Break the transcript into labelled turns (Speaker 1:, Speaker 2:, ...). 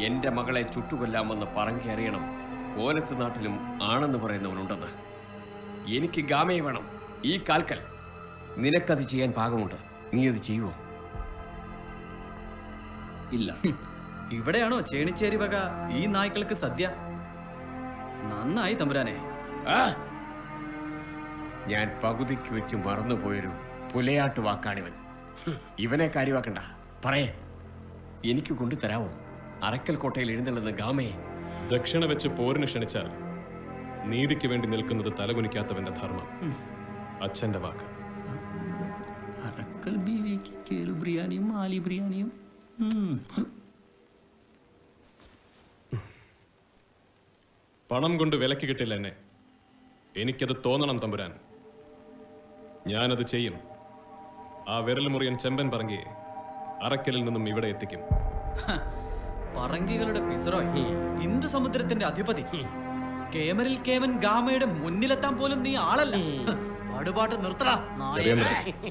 Speaker 1: എന്റെ മകളെ ചുട്ടുകൊല്ലാമെന്ന് പറഞ്ഞു അറിയണം കോലത്ത് നാട്ടിലും ആണെന്ന് പറയുന്നവനുണ്ടെന്ന്. എനിക്ക് ഗാമയെ വേണം, ഈ കാൽക്കൽ. നിനക്കത് ചെയ്യാൻ പാകമുണ്ട്. നീ അത് ചെയ്യുവോ?
Speaker 2: ഇല്ല. ഇവിടെയാണോ ചേണിച്ചേരി വക ഈ നായ്ക്കൾക്ക് സദ്യ? നന്നായി തമ്പുരാനെ.
Speaker 1: ഞാൻ പകുതിക്ക് വെച്ച് മറന്നുപോയൊരു പുലയാട്ട് വാക്കാണിവൻ. ഇവനെ കാര്യമാക്കണ്ട. പറയേ, എനിക്ക് കൊണ്ടുതരാവോ അറക്കൽ കോട്ടയിൽ എഴുന്നള്ളുന്ന ഗാമയെ?
Speaker 3: ദക്ഷിണ വെച്ച് പോരിന് ക്ഷണിച്ചാൽ നീതിക്ക് വേണ്ടി നിൽക്കുന്നത് തലകുനിക്കാത്തവന്റെ ധർമ്മം. അച്ഛന്റെ വാക്ക്.
Speaker 2: അറക്കൽ ബീവിക്ക് കേലു ബിരിയാണിയും മാലി ബിരിയാണിയും.
Speaker 3: പണം കൊണ്ട് വിലക്ക് കിട്ടില്ല എന്നെ. എനിക്കത് തോന്നണം തമ്പുരാൻ. ഞാനത് ചെയ്യും. ആ വിരൽ മുറിയൻ ചെമ്പൻ പറങ്കിയെ അറക്കലിൽ നിന്നും ഇവിടെ എത്തിക്കും.
Speaker 2: പറങ്കികളുടെ പിസറോയ്, ഇന്ദു സമുദ്രത്തിന്റെ അധിപതി. കേമരിൽ കേമൻ ഗാമയുടെ മുന്നിലെത്താൻ പോലും നീ ആളല്ല. പാടുപാട്ട് നിർത്തടാ.